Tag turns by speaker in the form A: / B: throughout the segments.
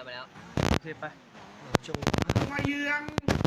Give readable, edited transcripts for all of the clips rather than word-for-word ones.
A: ไปแล้ว
B: เทไป
C: จงมาเยือง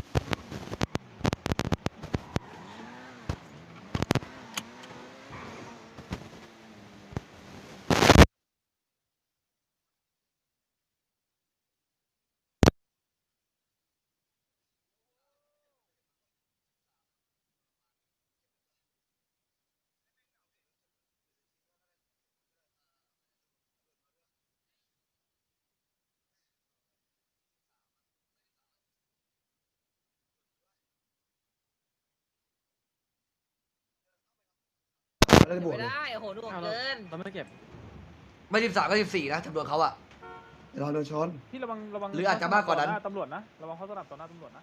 A: ไม่ได้โอ้โหหน่วงเกิน
B: เราไม่เก็บ
D: ไม่13ก็14นะจำนวนเขาอะ
C: เราโดนชน
B: พี่ระวัง
D: หรืออาจจะมากกว่านั้น
B: ตำรวจนะระวังเขาสนับต่อหน้าตำรวจนะ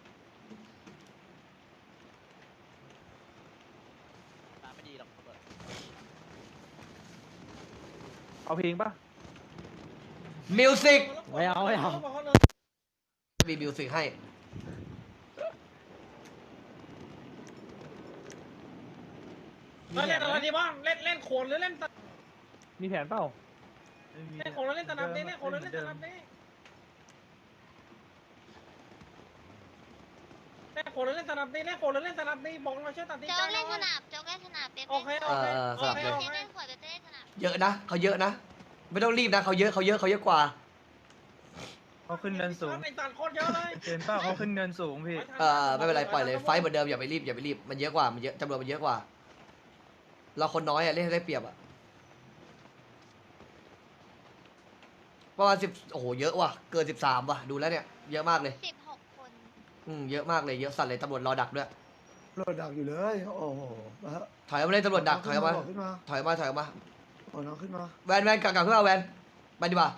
A: ไม่ดีหรอก
B: เอาเพลงป่ะ
D: มิวสิก
B: ไม่เอา
D: มีมิวสิกให้
E: เล่นอะไรดีบ้างเล่นโขนหรือเล่น
B: มีแผนเปล่า
E: เล่นโขนหรือเล่นตะนับเล่นโขนหรือเล่นตะนับเล่นโขนหรือเล่นตะนับเล่นโขนหรือเล่นตะนับบอกมาช่วยตัดสินใจ
F: โจ๊กเล่นสนับโจ๊กเล่นสนับ
E: โอเค
F: เล่นขวดเล่นสนับ
D: เยอะนะเขาเยอะนะไม่ต้องรีบนะเขาเยอะกว่า
B: เขาขึ้นเนินสูง
E: ไอ้ตัดโคตรเยอะเลย
B: เห็นเปล่าเขาขึ้นเนินสูงพี่
D: ไม่เป็นไรปล่อยเลยไฟเหมือนเดิมอย่าไปรีบมันเยอะกว่ามันเยอะจำนวนมันเยอะกว่าเราคนน้อยอะเล่นได้เปรียบอะประมาณ10โอ้โหเยอะว่ะเกิน13ว่ะดูแล้วเนี่ยเยอะมากเลย
F: 16 คน
D: เยอะมากเลยเยอะสัตว์เลยตำรวจรอดักด้วย
C: รถดักอยู่เลยโอ้โห
D: ถอยออกมาเลยตำรวจดักถอยออกมาถอยออกมา
C: โอ้น้องขึ้นมา
D: แวนกลับขึ้นมาแวนไปดีกว่า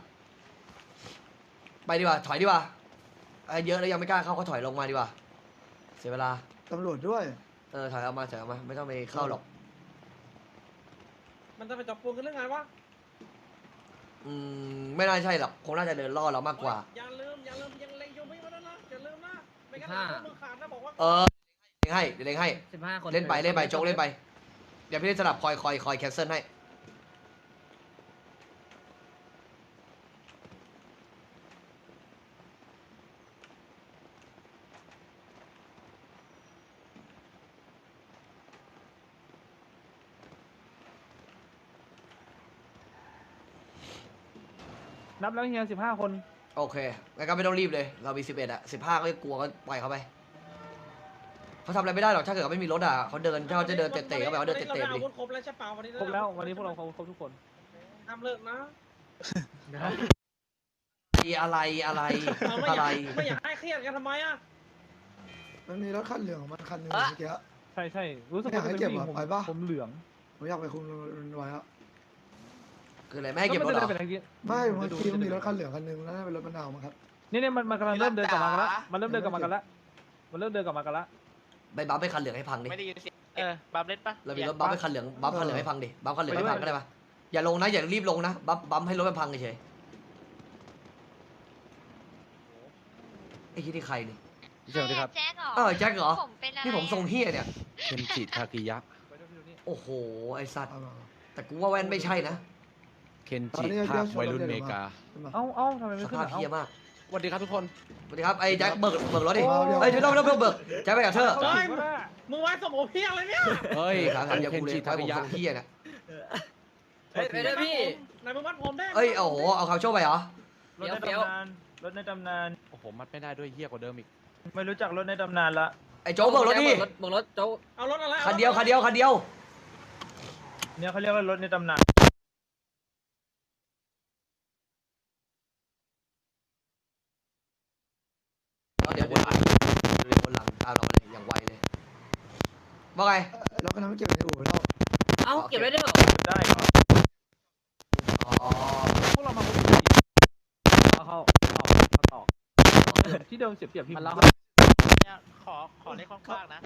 D: ถอยดีกว่าเยอะแล้วยังไม่กล้าเข้าเขาถอยลงมาดีกว่าเสียเวลา
C: ตำรวจด้วย
D: ถอยออกมาไม่ต้องไปเข้าหรอก
E: มันจะไปจับปูนกันเรื่องไงวะ
D: ไม่น่าใช่หรอกคงน่าจะเดินล่อเรามากกว่า
E: อย่าลืมยังเล็งอยู่ไม่มาแล้วนะอย่าลืมนะไม่งั้นมือขาดนะบอกว่า
D: เล่นให้
A: 15 คน
D: เล่นไปโจ๊กเล่นไปเดี๋ยวพี่เล่นสลับคอยแคนเซิลให้
B: นับแล้วเฮีย15 คน
D: โอเคงั้นก็ไม่ต้องรีบเลยเรามี11อะ15ก็กลัวก็ปล่อยเขาไปเขาทำอะไรไม่ได้หรอกถ้าเกิดไม่มีรถอะเขาจะเดินเตะเข้าไปเขาเดินเตะไปดิ
E: ครบแล้วใช่เปล่าวันนี้
B: ครบแล้ววันนี้พวกเราครบทุกคน
E: ทำเลิกนะ
D: อะไร
E: ไม่อยากให้เครียดกันทำไมอะ
C: มันมีรถคันเหลืองของมันคันนึงเมื่อกี้
B: ใช่รู้สึก
C: ว่าจะเป็น
B: ผมเหลือง
C: ผมอยากไปคุมไว้อะ
D: คืออะไรไม่ให้เก็บรถหรอ
C: ไม่เมื่อกี้มันมีรถคันเหลืองคันนึงแล้วเป็นรถมะนาวมั้งครับ
B: นี่มันกำลังเริ่มเดินกลับมากันแล้วมันเริ่มเดินกลับมากันแล้ว
D: ไปบัฟให้คันเหลืองให้พังดิ
A: ไม่ได้ยินเสียงบัมเล่นปะ
D: เรามีรถบัฟให้คันเหลืองบัฟคันเหลืองให้พังดิบัฟคันเหลืองให้พังก็ได้ปะอย่าลงนะอย่ารีบลงนะบัฟให้รถมันพังเฉยไอ้ที่ใครนี่
F: ใช่ครับแจ็คเหรอ
D: แจ็คเหรอนี่ผมทรงเฮียเนี่ย
G: เคนจิทากิยะ
D: โอ้โหไอสัตว์แต่กูว่าแว่นไม่ใช่นะ
G: เคนจิภาควัยรุ่นเมกา
B: ทำไมไม่
D: ขึ้นสภาพเฮียมาก
G: สวัสดีครับทุกคน
D: สวัสดีครับไอ้แจ็คเบิกรถดิเฮ้ยไม่ต้องเบิกแจ็คไปกับเธอ
E: มึงไว้สมโอเพียงเลยเนี่ย
D: เฮ้ยขาเคนจิทากิยะเฮียเนี่ย
A: ไปเลยพี่
E: นายมึงมัดผมได้
D: โอ้โหเอาข่าวโชว์ไปเหรอ
B: รถในตำนาน
G: โอ้โหมัดไม่ได้ด้วยเฮี้ยกว่าเดิมอีก
B: ไม่รู้จักรถในตำนานละ
D: ไอ้โจ๊กเบิกรถดิ
A: เบิกรถโจ๊ก
E: เอารถอะไร
D: คันเดียว
B: เนี่ยเขาเรียกว่ารถในตำนาน
D: เดี๋ยวคนหลังตามเราเลยอย่างไวเลยว่าไง
C: เราก็ทำให้เก็บในอู่เรา
A: เก็บไว้ด้วยเหรอ
B: ได้พวกเรามาเข้าต่อที่เดิมเสียบพี่
A: มันแล้วขอเล่นข้างๆนะ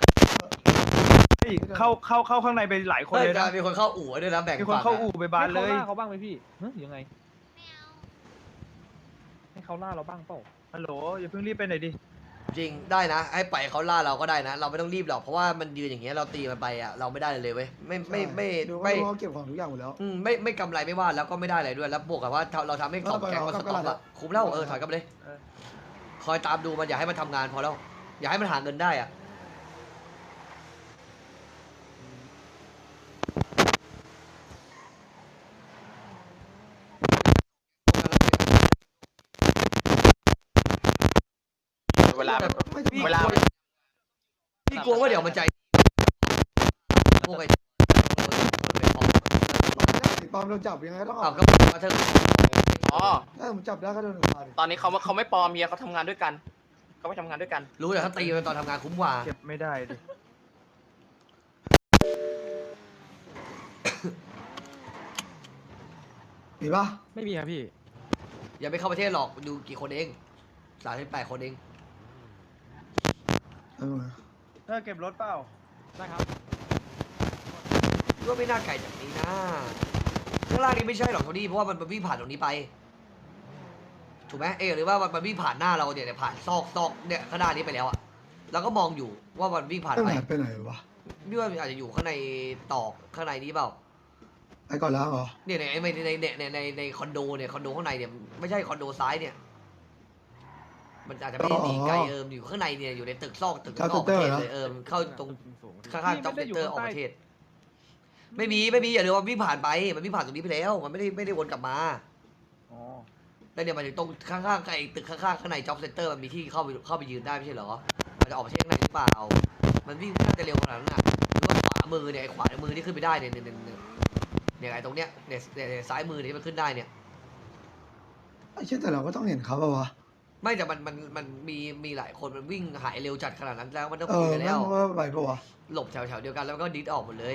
B: เข้าข้างในไปหลายคนเลยนะ
D: มีคนเข้าอู่ด้วยนะแบ่ง
B: มีคนเข้าอู่ไปบ้านเลยเขาบ้างไหมพี่ยังไงให้เขาล่าเราบ้างเปล่าฮัลโหลอย่าเพิ่งรีบไปไหนดิ
D: จริงได้นะให้ปล่อยเขาล่าเราก็ได้นะ เราไม่ต้องรีบหรอกเพราะว่ามันยืนอย่างเงี้ยเราตีมันไปอ่ะเราไม่ได้เลยเว้ยไม่
C: ดู
D: ไม่
C: เขาเก็บของทุกอย่างหมดแล้ว
D: ไม่กำไรไม่ว่าแล้วก็ไม่ได้อะไรด้วยแล้วบวกกับว่าเราทำให้กล่องแก๊งมันสต็อกอะคุ้มแล้วถอยกลับไปเลยคอยตามดูมันอย่าให้มันทำงานพอแล้วอย่าให้มันหาเงินได้อ่ะ
A: เวลา
D: พี่
A: เวลา
D: พี่กลัวว่าเดี๋ยวมันใจพวกไอ้
C: ปอมโดนจับยังไงก็ต้องอ
D: เอา
C: อก
D: ก็มาเถอะ
A: อ๋อ
C: ถ้าผมจับได้ก็โดนมาดิ
A: ตอนนี้เขาไม่ปลอมเมียเขาทำงานด้วยกันเขาไปทำงานด้วยกัน
D: รู้แต่ถ้าตีมันตอนทำงานคุ้มกว่า
B: เก็บไม่ได้ดิ
C: มีปะ
G: ไม่มีครับพี่
D: อย่าไปเข้าประเทศหรอกดูกี่คนเอง38 คนเอง
B: เธอเก็บรถเปล่า
G: ได้ครับ
D: ก็ไม่น่าไกลจากนี้นะข้างล่างนี้ไม่ใช่หรอกโทนี่เพราะว่ามันวิ่งผ่านตรงนี้ไปถูกไหมหรือว่ามันวิ่งผ่านหน้าเราเนี่ยผ่านซอกเนี่ยข้างหน้านี้ไปแล้วอะเราก็มองอยู่ว่ามันวิ่งผ่าน
C: ไป
D: ไป
C: ไหนไปไหนวะ
D: พี่ว่าอาจจะอยู่ข้างในตอกข้างในนี้เปล่า
C: ไปก่อนแล้วเหรอ
D: เนี่ยในคอนโดเนี่ยคอนโดข้างในเนี่ยไม่ใช่คอนโดซ้ายเนี่ย มันอาจจะไม่ได้หนีไกลอยู่ข้างในเนี่ยอยู่ในตึกซอกตึกนอกประเทศเลยเข้าตรงข้างๆจ็อบเซ็นเตอร์ออกประเทศ ไม่มีอย่าลืมว่าวิ่งผ่านไปมันวิ่งผ่านตรงนี้ไปแล้วมันไม่ได้วนกลับมา
B: อ๋อ
D: แล้วเนี่ยมันถึงตรงข้างๆไอ้ตึกข้างๆข้างในจ็อบเซ็นเตอร์มันมีที่เข้าไปยืนได้ไม่ใช่เหรอมันจะออกประเทศข้างในหรือเปล่ามันวิ่งน่าจะเร็วขนาดนั้นน่ะหรือว่าขวามือเนี่ยไอ้ขวามือที่ขึ้นไปได้เนี่ยไอ้ตรงเนี้ยเนี่ยซ้ายมือที่มันขึ้นได้เนี่ย
C: ไอ้เช่นแต่เราก็ต้องเห็นเขาป่าวะ
D: ไม่แต่มันมีหลายคนมันวิ่งหายเร็วจัดขนาดนั้นแล้วมันต้อง
C: เอ
D: คุย
C: อ
D: กัน
C: แม่
D: แล้ว
C: งว่าไปป่าวะ
D: หลบแถวเดียวกันแล้วก็ดิสออกหมดเลย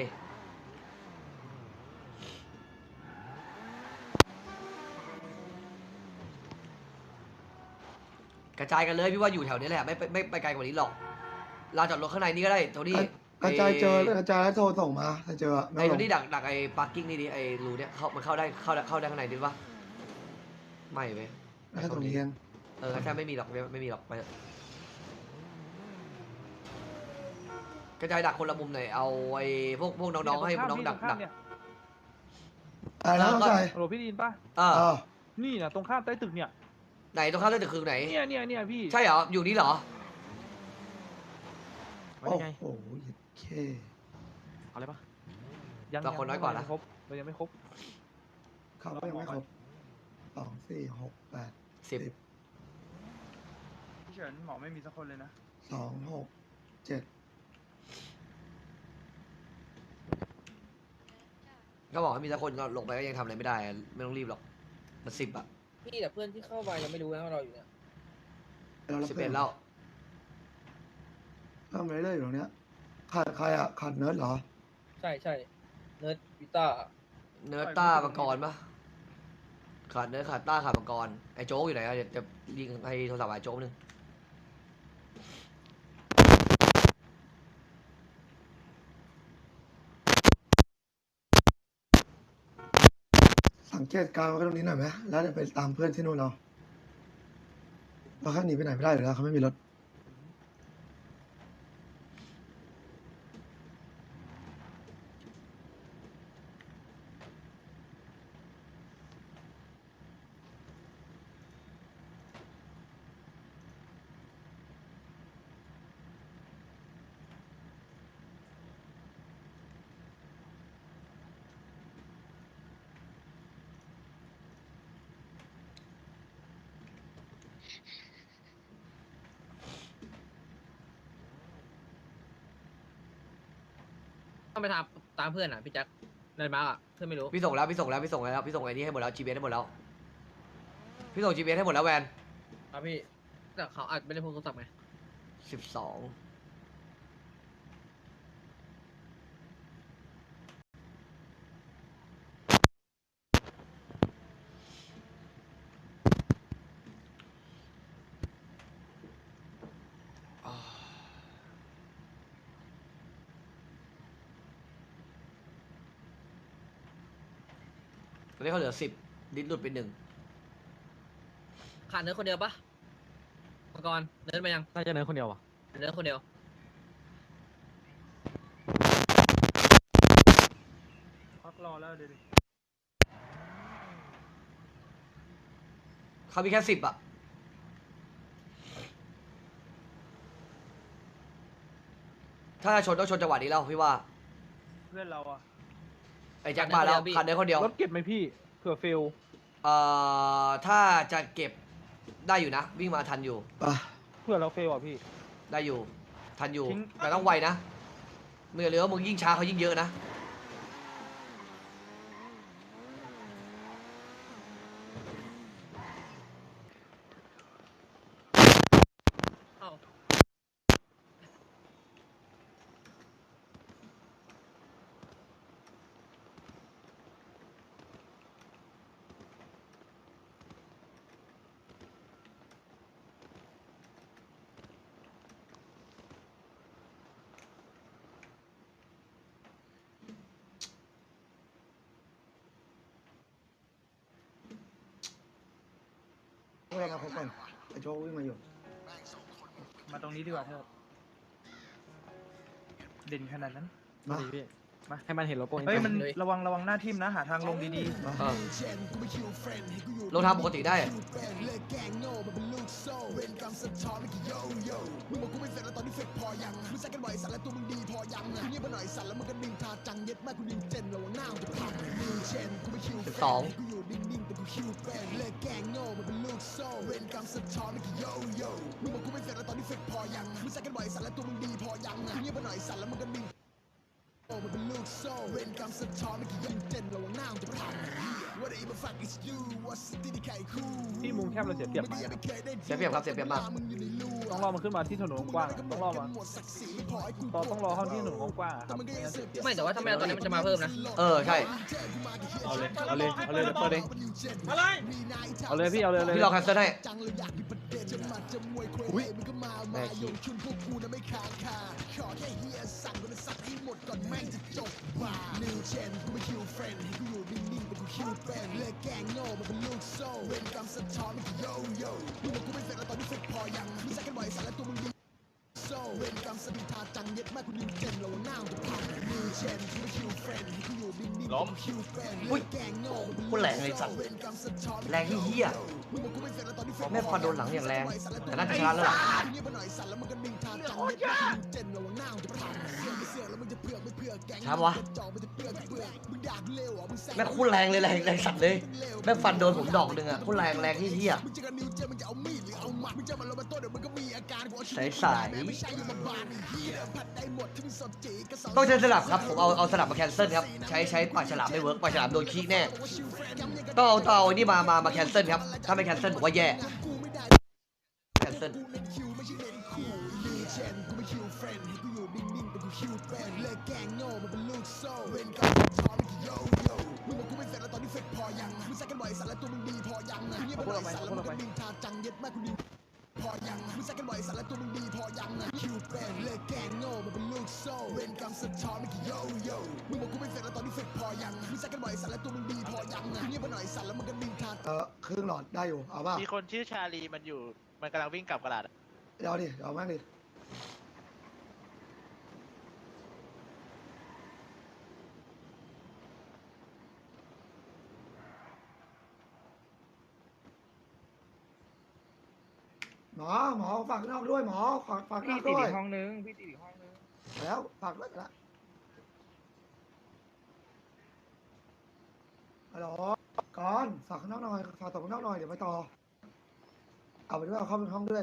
D: กระจายกันเลยพี่ว่าอยู่แถวนี้แหละไม่ไปไกลกว่านี้หรอกลานจอดรถข้างในนี่ก็ได้โทนี่
C: กระจายเจอกระจายแล้วโทรส่งมาถ้าเจอ
D: ไอ้โทนี่ดักไอ้ปาร์กิ้งนี่ดิไอ้รูเนี่ยมันเข้าได้ข้างในดิปะไม่เว้ย
C: แค่ตรงนี้เอง
D: แค่ไม่มีหรอกไปเถอะกระจายดักคนละมุมหน่อยเอาไอ้พวกน้องๆให้น้องดัก
C: อะไรนะต้องใจ
B: โหลพี่ดีนป่ะ
C: อ้าว
B: นี่นะตรงข้ามใต้ตึกเนี่ย
D: ไหนตรงข้ามเส้นตึกคือไหน
B: เนี่ยพี่
D: ใช่เหรออยู่นี่เหรอ
C: โอ้โหเค
G: เอาเลยปะ
B: ยัง
D: เราคนน้อยกว่านะ
B: ครบเรายังไม่ครบ
C: เขาก็ยังไม่ครบ2 4 6 8
D: 10
B: พี่เฉินหมอไม่มีสักคนเลยนะ
C: 2 6 7
D: ก็บอกให้มีสักคนก็ลงไปก็ยังทำอะไรไม่ได้ไม่ต้องรีบหรอกมัน10 อ่ะ
A: พี่แต่เพื่อนที่เข้าไปยังไม่รู้นะว่าเราอยู่เนี่ย
D: 11แล้ว
C: ทำอะไรได้อยู่ตรงเนี้ยขาดใครอ่ะขาดเนิร์ดเหรอ
A: ใช่เนิร์ดวิต้า
D: เนื้อต้ามังกรปะขาดเนื้อขาดต้าขาดมังกรไอ้โจ๊กอยู่ไหนอะเดี๋ยวจะยิงให้โทรศัพท์ไอ้โจ๊กนึง
C: สังเกตการณ์ไว้ตรงนี้หน่อยไหมแล้วเดี๋ยวไปตามเพื่อนที่นู่นเราแค่หนีไปไหนไม่ได้อยู่แล้วเขาไม่มีรถ
A: ต้องไปตามเพื่อนอ่ะพี่แจ็คในมาร์กอ่ะเพื่อนไม่รู้
D: พี่ส่งแล้วพี่ส่งไอ้นี่ให้หมดแล้ว GPS ให้หมดแล้วพี่ส่ง GPS ให้หมดแล้วแวน
A: ครับพี่แต่เขาอาจไม่ได้พกโทรศัพท์ไง
D: 12ตอนนี้เขาเหลือ10ดิ้นหลุดไป1
A: ขาดเนิร์ดคนเดียวปะกรเดินไปยัง
G: น่าจะเนินคนเดียวว่ะ
A: เดินคนเดียว
B: พักรอแล้วเดี๋ยวดิ
D: เขามีแค่10 อ่ะถ้าชนต้องชนจังหวะนี้แล้วพี่ว่า
B: เพื่อนเราอะ
D: ไอ้แจ็คมาแล้วคันเดียวคนเดียว
B: รถเก็บไหมพี่เผื่อเฟล
D: ถ้าจะเก็บได้อยู่นะ วิ่งมาทันอยู่
C: ไป
B: เผื่อเราเฟลอ่ะพี่
D: ได้อยู่ทันอยู่
B: ทิ้ง
D: แต่ต้องไวนะเมื่อเรือว่ามึงยิ่งช้าเขายิ่งเยอะนะ
A: เอ้า
C: พวกเรามาพบกันไอ้โจ๊กวิ่งมาอยู่
B: มาตรงนี้ดีกว่าเถอะเด่นขนาดนั้น
C: มา
G: ดีพี่มาให้มันเห็นโลโก้
B: เฮ้ยมันระวังหน้าทิ่มนะหาทางลงดี
C: มา
D: ลงทางปกติได้ 12
B: ๆที่มุมแคบเราเสียเปรียบ
D: เสียเปรียบครับเสียเปรียบมาก
B: ต้องรอมันขึ้นมาที่ถนนกว้างๆต้องรอมาต้องรอเข้าที่ถนนกว้างๆอะครับไม่งั้นเสียเปรียบ
A: ไม่แต่ว่าถ้าไม่เอาตอนนี้มันจะมาเพิ่มนะ
D: ใช่
B: เอาเลยเปิดเอง
E: อะไร
B: เอาเลยพี่เอาเลย
D: พี่รอแคนเซิลให้
C: อุ้ย
D: แม่ขี้
E: ล้ม
D: อุ้ยคนแรงเลยสัตว์แรงที่เหี้ยแม่ฟันโดนหลังอย่างแรงแต่น่าจะชนะแล้วล่ะช้าวะแม่โคตรแรงเลยแรงสัตว์เลยแม่ฟันโดนผมดอกหนึ่งอะโคตรแรงที่เหี้ยใสต้องใช้สลับครับผมเอาสลับมาแคนเซิลครับใช้ปากฉลามไม่เวิร์กปากฉลามโดนขี้แน่ต้องเอาไอ้นี่มาแคนเซิลครับถ้าไม่แคนเซิลผมว่าแย่แคนเซิล
C: ครึ่งหลอดได้อยู่เอาป่ะ
E: มีคนชื่อชาลีมันอยู่มันกำลังวิ่งกลับกระดาษ
C: เอาดิเอาแม่งดิหมอฝากนอกด้วยหมอฝากนอกด้วย
B: พี่ติดอีกห้องนึง
C: แล้วฝากด้วยละฮัลโหลก่อนฝากข้างนอกหน่อยฝากต่อข้างนอกหน่อยเดี๋ยวไปต่อเอาไปด้วยเอาเข้าไปห้องด้วย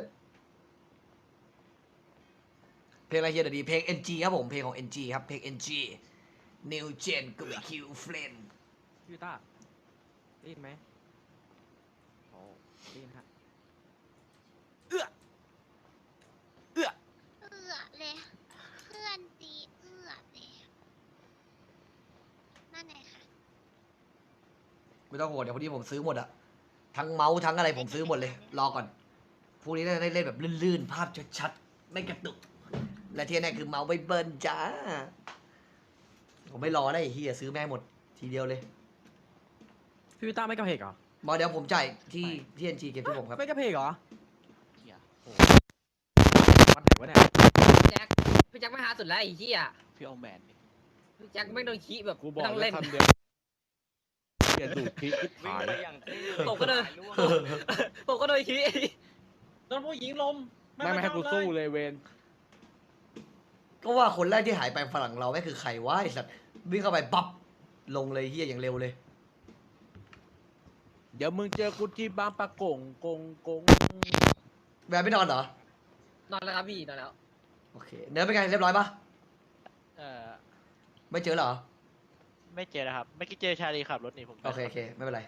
D: เพลงอะไรเฮียเดี๋ยวดีเพลง NG ครับผมเพลงของ NG ครับเพลง NG New Gen กับ Q Friend
G: พี่ต้าได้ยินไหมโอ้ได้ยินฮะ
F: เลยเพื่อนตีเลยนั่นไงค่ะ
D: ไม่ต้องห่วงเดี๋ยวพอดีผมซื้อหมดอะทั้งเมาส์ทั้งอะไรผมซื้อหมดเลยรอก่อนพรุ่งนี้ได้เล่นแบบลื่นๆภาพชัดๆไม่กระตุกและที่แน่คือเมาส์ไม่เบิร์นจ้าผมไม่รอได้ไอ้เฮียซื้อแม่งหมดทีเดียวเลย
G: พี่ต้าไม่กระเพกเหรอ
D: บอกเดี๋ยวผมจ่ายที่ NG เก็บที่ผมครับ
G: ไม่กระเพกเหรอวัดไหนวะเนี่ย
A: พี่แจ็คไม่หาสุดแล้วไอ้เหี้ย
G: พี่เอาแมนดิ
A: พี่แจ็คไม่โดนขี้แบบ
B: กูบอก
A: ไม่ต้อง
B: แล้
A: เล่
B: วน คำเดียวเปลี่ยนดูดพริกหาย
A: ผมก็โดนผมก็โดนขี้
E: โดนผู้หญิงลม
B: ไม่ให้กูสู้เลยเวน
D: ก็ว่าคนแรกที่หายไปฝรั่งเราไม่คือใครวะไอ้สัตว์วิ่งเข้าไปปั๊บลงเลยเฮียอย่างเร็วเลย
B: เดี๋ยวมึงเจอกูที่บางปะกงกง
D: แบบไม่นอนเหรอ
A: นอนแล้วครับพี่นอนแล้ว
D: โอเคเนื้อเป็นไงเรียบร้อยปะ
G: เออ
D: ไม่เจอเหรอ
G: ไม่เจอนะครับไม่คิดเจอชาลีขับรถหนีผม
D: โอเคไม่เป็นไร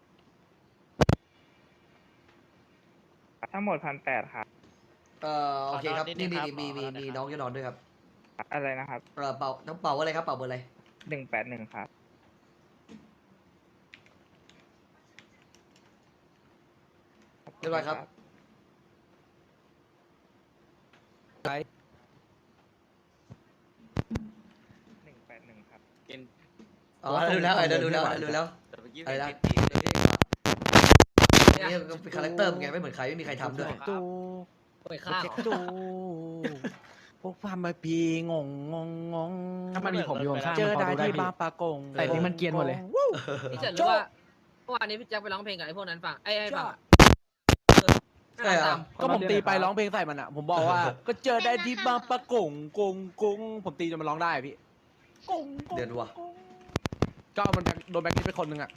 H: ทั้งหมด1,800ครับ
D: โอเคครับนี่มีน้องจะนอนด้วยครับ
H: อะไรนะครับ
D: เป่าน้องเป่าอะไรครับเป่าเบอร์อะไร
H: 181ครับ
D: เรียบร้อยครับ
B: ไป
H: 181ครับ
D: อ๋อดูแล้วดูแล้วอะไรนะนี่เป็นคาแรคเตอร์เป็นไงไม่เหมือนใครไม่มีใครทำด้วย
B: ตู
A: ไปฆ่า
B: เช็คตูพวกฟาร์มมาปีงง
G: ถ้ามันมีผมอยู่ข้างๆ
B: เจอ
G: มันพ
B: ได้
G: ดู
B: ที่
G: พี่
B: บางปะกง
G: แต่นี่มันเกรียนหมดเลย
A: พี่เฉินรู้ว่าเมื่อวานนี้พี่แจ็คไปร้องเพลงกับไอ้พวกนั้นฟังไอ้ฟัง
D: ใช่เหรอ
B: ก็ผมตีไปร้องเพลงใส่มันอ่ะ ผมบอกว่า ก็เจอได้ที่บางปะกงผมตีจนมันร้องได้พี่กง
D: เดือนว่ะ
B: ก็มันโดนแบ็คลิสต์ไปคนหนึ่งอ่ะ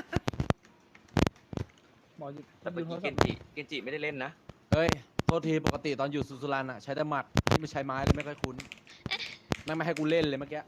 B: หมอ
G: แต่เมื่อกี้เกนจิไม่ได้เล่นนะ
B: เฮ้ยโทษทีปกติตอนอยู่สุรันอ่ะใช้แต่หมัดที่ไม่ใช้ไม้เลยไม่ค่อยคุ้นไม่ให้กูเล่นเลยเมื่อกี้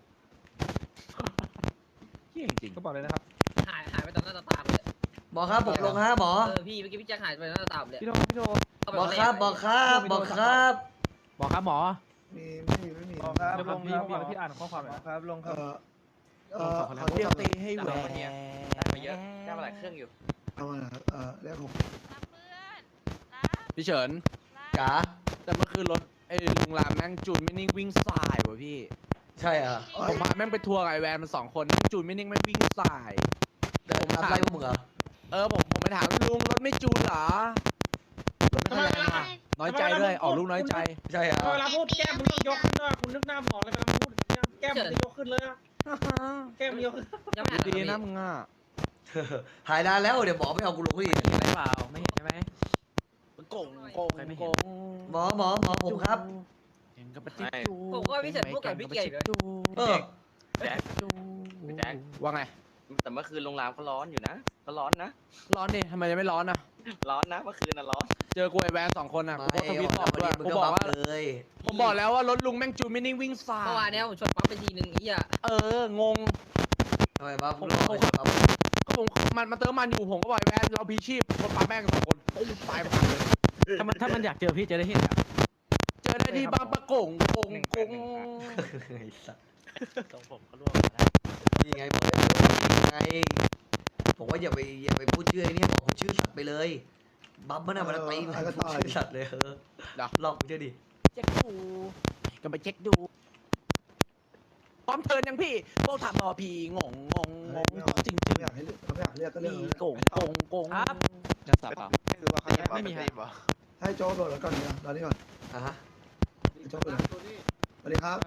B: เฮี้ยจริง
G: ก็บอกเลยนะครับ
A: หายไปตอนหน้าตาเลย
D: หมอครับผมลงฮะหมอ
A: พี่เมื่อกี้พี่แจ็คหายไปตอนหน้าตาเลย
G: พี่โด
D: หมอครับหมอครับหมอครับ
G: บอกครับหมอ
C: ไม่มี
B: ครับ
G: เดี๋ยวผมพี่อ่านข้อความหน่อย
C: ครับลงครับ
B: เดี๋ยวตีให้แหวก
G: ได้มาเยอะได้มาหลายเครื่องอยู่
C: เอามาครับเลข
F: รับเพื่อนรับ
B: พี่เฉิน
D: จ๋า
B: แต่เมื่อคืนรถไอ้ลุงรามแม่งจูนไม่นิ่งวิ่งสายว่ะพี่
D: ใช่เหรอ
B: ผมพาแม่งไปทัวร์กับไอแวนมัน2 คนแม่งจูนไม่นิ่งแม่งวิ่งสาย
D: ผมทำอะไรพวกมึงเหรอ
B: ผมไปถามลุงรถไม่จูนเหรอรถไม่ค่อยแรงว่ะน้อยใจด้วยออกลูกน้อยใจ
D: ใช่เหรอ
E: เวลาพูดแก้มมึงต้องยกขึ้นด้วยคุณนึกหน้าหมอเลยเวลาพูดแก้มมึงจะยกขึ้นเลยอะแก้มมึงยกขึ้น
A: ยังไม่หาย
B: ดีนะมึงอ่ะ
D: หายนานแล้วเดี๋ยวหมอไม่เอากูลงก็ดี
G: เห็นไหมเปล่าไม่เห็นใช่ไหม
B: โกง
G: ใครไม่เห็น
D: หมอผมครับ
B: เห็นกับปฏิจู
A: ผมก็พี่เฉินพูดกับพี่เกียร์เลย
D: เออ
G: แจ็คแจ็ค
B: ว่าไง
G: แต่เมื่อคืนโรงแรมเขาร้อนอยู่นะเขาร้อนนะ
B: ร้อนดิทำไมยังไม่ร้อนอ่ะ
G: ร้อนนะเมื่อคืนน่ะร้อน
B: เจอกูไอแวน2 คนอ่ะกู
D: ไม่
B: ก็ทวิตบอกด้วย
D: มึง
B: กู
D: ก็
B: บอก
D: บัฟ
B: ว่า
D: เลย
B: ผมบอกแล้วว่ารถลุงแม่งจูนไม่นิ่งวิ่งสาย
A: เมื่อวานเนี้ยผมชนปั๊มไปทีนึงไอ้เหี้ย
B: งง
D: ทำไมบัฟ
B: ผมมันเติมมันอยู่ผมก็บอกไอ้แวนเราพีชีพคนปาแม่ง2 คนปุ๊บตายไปเลย
G: ถ้ามันอยากเจอพี่จะได้เห็น
B: เจอได้ที่บางปะกง
D: ไอ้สัส
G: ตรงผมก็ร่วงมาแล้ว
D: นี่ไงบอกเลยไงผมว่าอย่าไปพูดชื่อไอ้นี่บอกผมชื่อสัตว์ไปเลยบัฟมันอะมันตีมันชื่อสัตว์เลยลองเชื่อดิ
B: เช็คดูก็ไปเช็คดูพร้อมเทิร์นยังพี่พวกถามต่อพี่งงจริง
C: ไม่อยากให้เขาไม่อยากเรียกก็เรื่อง
B: พี่
C: เลย
B: โกง
G: ครับ
B: จะสับเปล่า
G: ไม่มีฮะ
C: ให้โจ๊กโดดแล้วก่อนเนี่ยรอนี่ก่อน
D: อ่ะฮะ
C: โจ๊กเลยสวัสดีครับ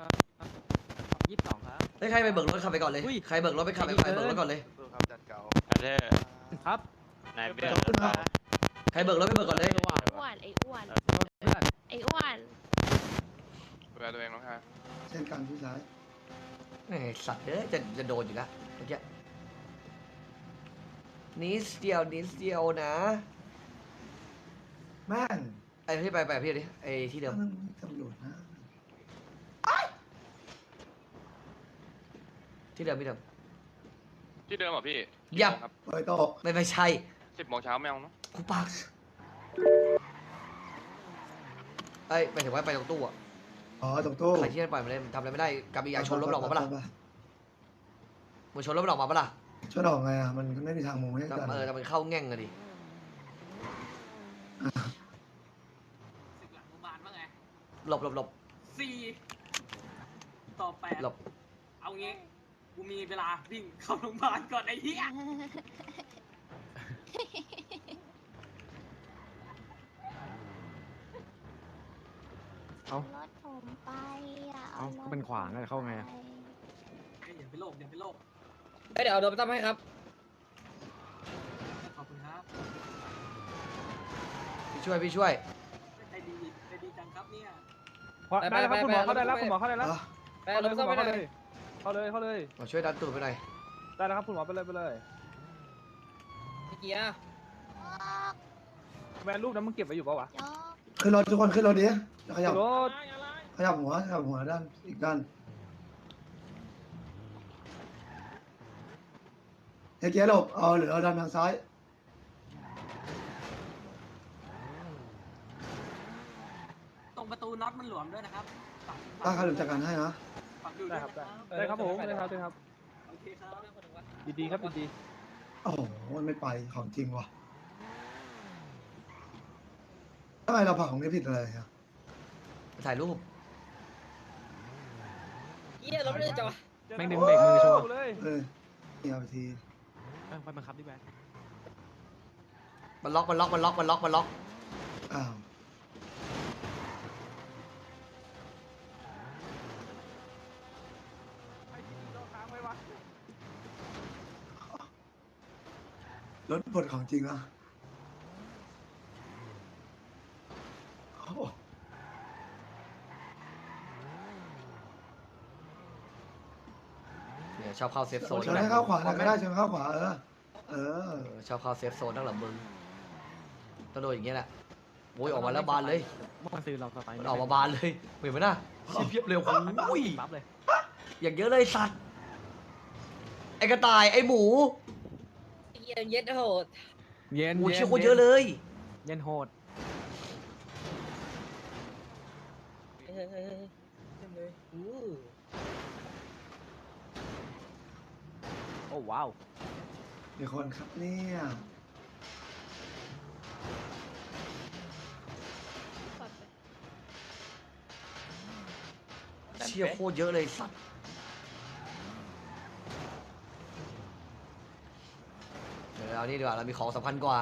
G: 22ครับ
D: ใครไปเบิกรถขับไปก่อนเลยใครเบิกรถไปขับไปเบิกรถก่อนเลย
G: ครับนายเบียร์
D: ใครเบิกรถไปเบิกก่อนเลย
F: อ้วนไอ้อ้วนไอ้อ้วน
C: เช่นกันพี่ชาย
D: ไอ้สัตว์จะโดนอยู่แล้วเมื่อกี้นิดเดียวนะ
C: แม่ง
D: ไอ้พี่ไปพี่ดิไอ้ที่เดิม
C: มันตำรวจนะ
D: ที่เดิม
I: ที่เดิมเหรอพี่
D: ยับ
I: ครับ
C: ปล่อยโตะ
D: ไม่ใช่
I: 10 โมงเช้าไม่เอาเนาะ
D: กูปากไปถึงว่าไปตรงตู้อะ
C: อ๋อตรงตู้
D: ใครที่นั่นปล่อยมาเลยทำอะไรไม่ได้กับอีกอย่างชนรถหลอกมาปะล่ะมึงชนรถหลอกมาปะล่ะ
C: ช่วยออกไงอ่ะมันไม่มีทางมุงให้กัน
D: แต่มันเข้าแง่งอะดิ
A: หลังโรงพยาบาลว่าไง
D: หลบ
A: 4 ต่อ 8
D: หลบ
A: เอางี้กูมีเวลาวิ่งเข้าโรงพยาบาลก่อนไอ้เหี้ย
G: เอา
F: รถผมไปอ่ะ
G: เอา
F: รถ
G: ก็เป็นขวางแล้วจะเข้าไงอะ
F: ไป
A: เดี๋ยวเอาโดนไปตั้มให้ครับ
D: พี่ช่วย
H: ได้แล้วครับคุณหมอเข้าได้แล้วคุณหมอเข้าได้แล้ว
C: อ่ะ
A: ไปเอาโดนไปตั้มให้หน่อย
H: เข้าเลย
D: มาช่วยดันตูดไปหน่อย
H: ได้แล้วครับคุณหมอไปเลย
A: พี่เกียร์
H: แวนรูปนั้นมึงเก็บไว้อยู่ปะวะ
F: จอก
C: ขึ้นรถทุกคนขึ้นรถดิขยับ
H: รถ
C: ขยับหัวด้านอีกด้านเฮ้ยเกียร์หลบเอาหรือเอาด้านทางซ้าย
A: ตรงประตูน็อตมันหลวมด้วยนะครับ
C: ตั้งใครหลุดจากการให้นะ
H: ได้ครับได้ครับผมได้ครับ
A: โอเคครับ
H: ดีครับดี
C: โอ้โหมันไม่ไปของจริงว่ะทำไมเราผ่าของนี้ผิดอะไรอ่ะ
D: ถ่ายรูป
A: เกียร์รถไม่ได้จอด
G: แม่งดึงเบรกมือโชว์
H: เลย
C: นี่เอาไปที
G: ไปบังคับดิแวน
D: มันล็อก
C: อ้าว รถบดของจริงอ่ะโอ้โห
D: เนี่ยชอบเข้าเซฟโซน
C: ชนให้เข้าขวาหน่อยก็ได้ชนเข้าขวาเออ
D: ชอบเข้าเซฟโซนตั้งหลังมึงต้องโดนอย่างเงี้ยแหละโอ้ยออกมาแล้วบานเลย
G: เมื่อวานซื้อเราสไตล์
D: มันออกมาบานเลยเห็นไหมน่ะเพียบเร็วโอ้ย
G: ปั๊บเลย
D: อย่างเยอะเลยสัตว์ไอ้กระต่ายไอ้หมู
A: เกียร์เย็ดโหด
G: เย็น
D: โอ้ยเชี่ยโคตรเยอะเลย
G: เย็นโหด
A: เฮ้ยเต็มเลยอู้
G: โอ้ว้าว
C: มีคนครับเนี่ย
D: เชี่ยโคตรเยอะเลยสัตว์เดี๋ยวเอานี่ดีกว่าเรามีของสำคัญกว่า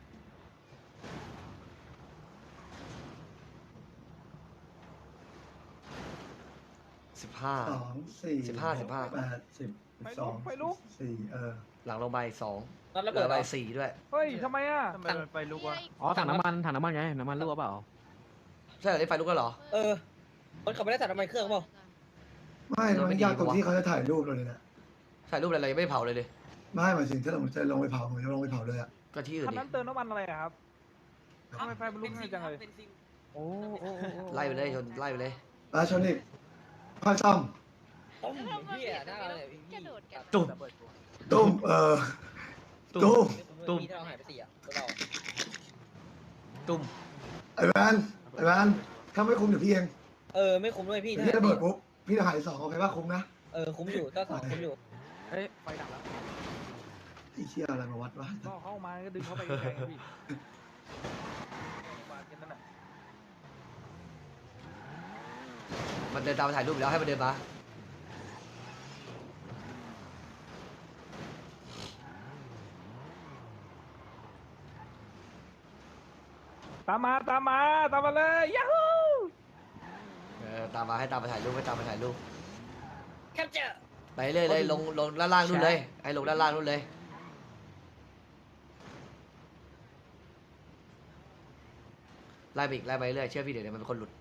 D: 15
C: 2 4
D: 15
C: 8 10 12 14
D: หลังลงไป2
A: น็อตระ
D: เหลื
A: เบิด
D: อ
A: เห
D: ไป
A: รอ
D: 4ด้วย
H: เฮ้ยทำไมอ่ะ
F: ไปลุกวะ
G: อ๋อถังน้ำมันไงน้ำมันรั่วเปล่า
D: ใช่เหรอได้ไฟลุกแล้วเหรอ
A: เออรถเขาไม่ได้ตัดน้ำมันเครื่องเปล่า
C: ไม่มันยากตรงที่เขาจะถ่ายรูปเราเลยนะ
D: ถ่ายรูปอะไรเรายังไม่เผาเลยเลย
C: ไม่หมายถึงถ้าเราจะลงไปเผาผมจะลงไปเผาเลยอ่ะ
D: ก็ที่อื่น
H: คัน
D: ดิ
H: นั้นเติมน้ำมันอะไรอะครับทำไมไฟมันลุกง่ายจังเลยโอ้
D: ไล่ไปเลยชนไล่ไปเลย
C: แล้วชนอีกค่อยซ่อม
A: ต้มเหี้ยหน้าเลยพี่
F: กระโดดกัน
D: ตุ้ม
C: ตุ้มตุ้ม
A: ตุ้มมีที่เราหายไป4อ่ะตัวเรา
D: ตุ้ม
C: ไอ้แวนถ้าไม่คุ้มเดี๋ยวพี่เอง
A: เออไม่คุ้มด้วยพี่
C: เดี๋ยวพี่ระเบิดปุ๊บพี่จะหาย2โอเคป่ะคุ้มนะ
A: เออคุ้มอยู่ก็สองคุ้มอยู่
G: เฮ้ยไฟดับแล้ว
C: ไอ้เชี่ยอะไรมาวัดวะ
H: ก็เข้ามาก็ดึงเข้าไปแข่งพี่มาแค่นั้นแหละ
D: มันเดินตามไปถ่ายรูปแล้วให้มันเดินมา
H: ตามมาเลยยาฮู
D: ตามมาให้ตามไปถ่ายรูปให้ตามไปถ่ายรูป
A: แคปเจอร์
D: ไปเรื่อยเลยลงด้านล่างนู่นเลยให้ลงด้านล่างนู่นเลยไล่ไปอีกไล่ไปเรื่อยเชื่อพี่เดี๋ยวมันเป็นคนหลุด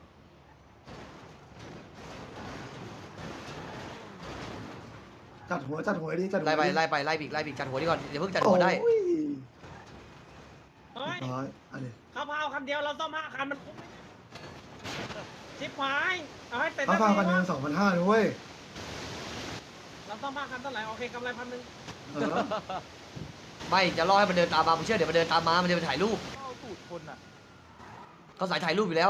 C: จัดหัวดิจัดหัว
D: ไล่ไปไล่ไปไล่ไปอีกไล่ไปอีกจัดหัวนี่ก่อนอย่าเพิ่งจัดหัวได้
C: โอ้ย
E: เฮ้ย
C: ร้อยอันนี้
E: ข้าวเผาคันเดียวเราซ่อม5 คันมันคุ้มไหมชิบหายเอาให้เต็ม
C: เขาฟังกันเงิน2,500นะเว้ย
E: เราซ่อม5 คันเท่าไหร่โอเคกำไร1,000
C: เออ
D: ไม่จะรอให้มันเดินตามมาผมเชื่อเดี๋ยวมันเดินตามมามันจะไปถ่ายรูป
H: เข้าสูตรคนอ่ะ
D: เขาสายถ่ายรูปอยู่แล้ว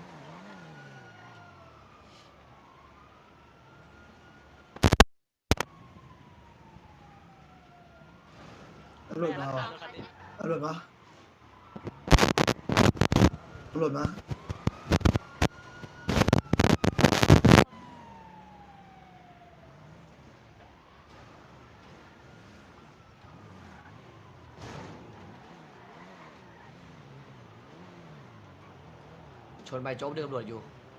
C: ตำรวจมาว่ะตำรวจมา
D: ชนไปโจ๊กเดินตำรวจอยู่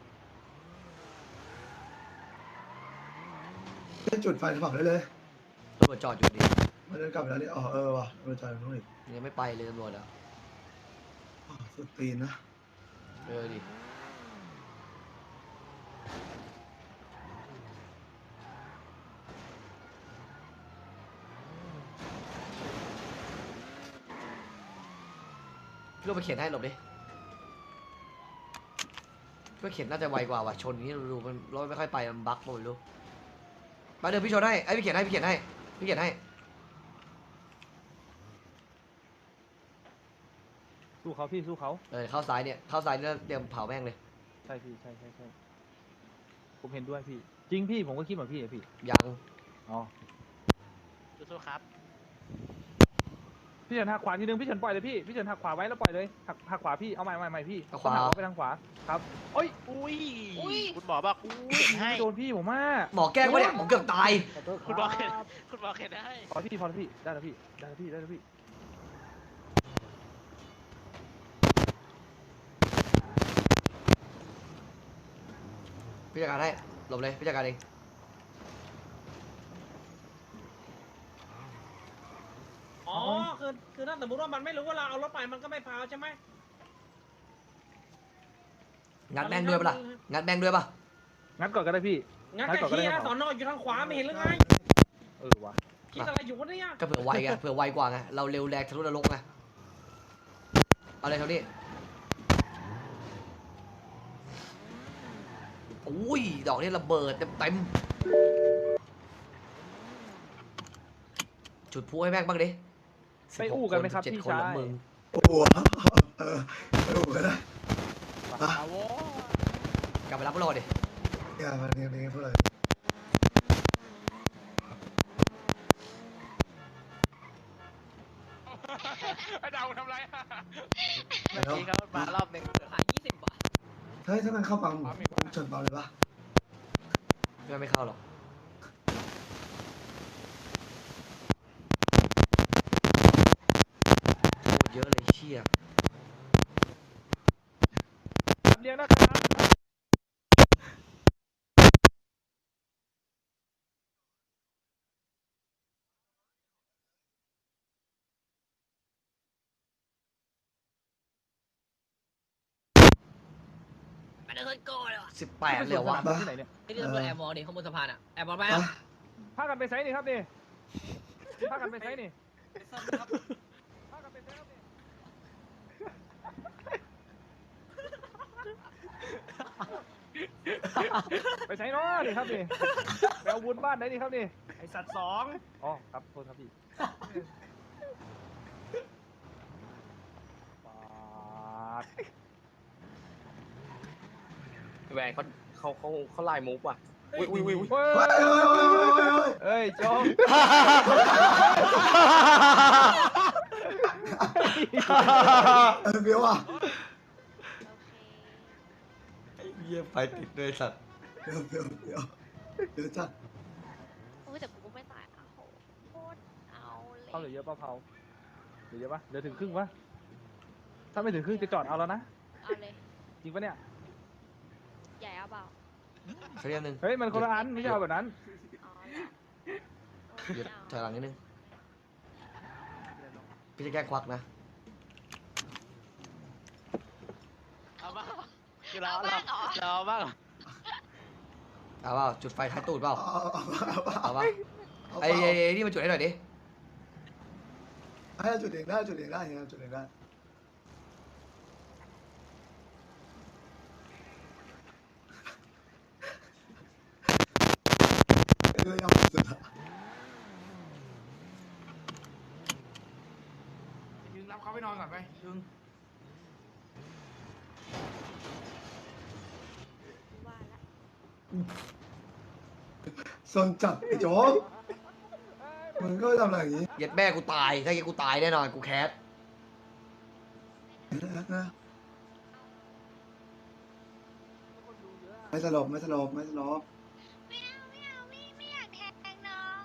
C: ให้จุดไฟเผาได้เลย
D: ตำรวจจอดอยู่ดิ
C: มันเดินกลับไปแล้วนี่อ๋อว่ะเราจอดตรงนู้นอีก
D: ยังไม่ไปเลยตำรวจอ่ะ
C: อ๋อสุดตีนนะ
D: ดิพี่ลูกไปเขียนให้หลบดิพี่เขียนน่าจะไวกว่าว่ะชนอย่างนี้ดูมันรถไม่ค่อยไปมันบั๊กหมดลูกมาเดี๋ยวพี่ชนให้ไอ้พี่เขียนให้พี่เขียนให้พี่เขียนให้
H: สู้เขาพี่สู้เขา
D: เข้าซ้ายเนี่ยเข้าซ้ายเนี่ยเตรียมเผาแม่งเลย
H: ใช่พี่ใช่ผมเห็นด้วยพี่ จริงพี่ผมก็คิดเหมือนพี่อะพี่
D: ยัง
H: อ๋อ
G: สู้ๆครับ
H: พี่เฉินหักขวาทีนึงพี่เฉินปล่อยเลยพี่เฉินหักขวาไว้แล้วปล่อยเลยหักขวาพี่เอาใหม่พี่
D: เอาขวา
H: หักไปทางขวาครับโอ้ย
G: อุ้ยคุณหมอบอกอุ้ยให้
H: ไม่โดนพี่ผมมาก
D: หมอแกล้งวะเนี่ยผมเกือบตาย
G: คุณหมอเข็นคุณหมอเข็นให้
H: พอแล้วพี่ได้แล้วพี่ได้แล้วพี่
D: พี่จัดการให้หลบเลยพี่จัดการเอง
E: อ๋อคือถ้าสมมติว่ามันไม่รู้ว่าเราเอารถไปมันก็ไม่พาวใช่ไหม
D: งัดแบงค์ด้วยปะล่ะงัดแบงค์ด้วยปะ
H: งัดก่อนก็ได้พี่
E: งั้นแกขี้สอนออยู่ทางขวาไม่เห็นหรือไง
H: วะ
E: คิดอะไรอยู่วะเนี่ย
D: ก็เผื่อไวไงเผื่อไวกว่าไงเราเร็วแรงทะลุนรกไงเอาเลยเท่านี้อุ้ยดอกนี้ระเบิดเต็มจุดพลุให้แม่งบ้างดิ
H: ไปอู้กันไหมครับ
D: 16
H: พี่
D: คน
H: ชา
D: ละ
H: ย
D: มึง
C: โอ้โหไปโอ้โหก็ได้
D: กลับไปรับพวกเราดิ
C: อย่ามาเนี่ยพวกเรา
I: ไอ้ดาวทำไร
G: เมื่อกี้เขามารอบหนึ่ง
A: ขาย20 บาท
C: เฮ้ยถ้ามันเข้าปั๊มชนปั๊มเลยปะ
D: ไม่เข้าหรอกโคตรเยอะเลยเชี่ย
H: เรียงนะครับ
A: มันเดินโก้เลยว่ะ
D: 18เลยเหรอวะ
H: ที่ไหนเนี่ย
A: ไอ้ที่ตำรวจแอบมองดิข้างบนสะพานอ่ะแอบมองไป
C: ปะ
A: อ่ะ
H: พากันไปไซส์นี่ครับนี่พากันไปไซส์นี่พากันไปไซส์ครับนี่ไปไซส์เนาะนี่ครับนี่ไปเอาวุ้นบ้านไหนนี่ครับนี่
G: ไอสัตว์สอง
H: อ๋อครับโทษครับพี่ปาด
G: แหวนเขาไล่มุกว่ะ อุ้ย
H: เฮ้ย
C: เฮ้ย
H: โจ๊ก
C: เบี้ยวอ่ะ
D: เยี่ยไปติดเลยสัตว์
C: เบี้ยวจัด
F: โอ้ยแต่กูก็ไม่ตายอ่ะโหโคตรเอาเลย
H: เขาเหลือเยอะเปล่าเผาเหลือเยอะปะเหลือถึงครึ่งปะถ้าไม่ถึงครึ่งจะจอดเอาแล้วนะ
F: เอาเลย
H: จริงปะเนี่ย
F: ใหญ่เอาเปล่า
D: สักนิดนึง
H: เฮ้ยมันคนละอันไม่ใช่เอาแบบนั้น
F: อ๋อเหรอโอ้ย
D: หยุด
F: ไม่เอา
D: ถอยหลังนิดนึงพี่จะแกล้งควักนะ
G: เอาบ้างคือ
F: เอาบ้างเหรอ
G: เราบ้างเหรอ
D: เอาเปล่าจุดไฟท้ายตูดเปล่า
C: เอา
D: เอาเปล่าไอ้นี่มันจุดให้หน่อยดิ
C: ให้จุดเองได้จุดเองได้จุดเองได้เรื่องยำสุดละ
B: ยืนรับเขาไปนอนก่อนไปยืน
F: ว่าละ
C: ซนจับไอ้โจ๊กมึงก็ทำอะไรอย่างนี้
D: เย็ดแม่กูตายถ้าเย็ดกูตายแน่นอนกูแคส
C: นะไม่สลบ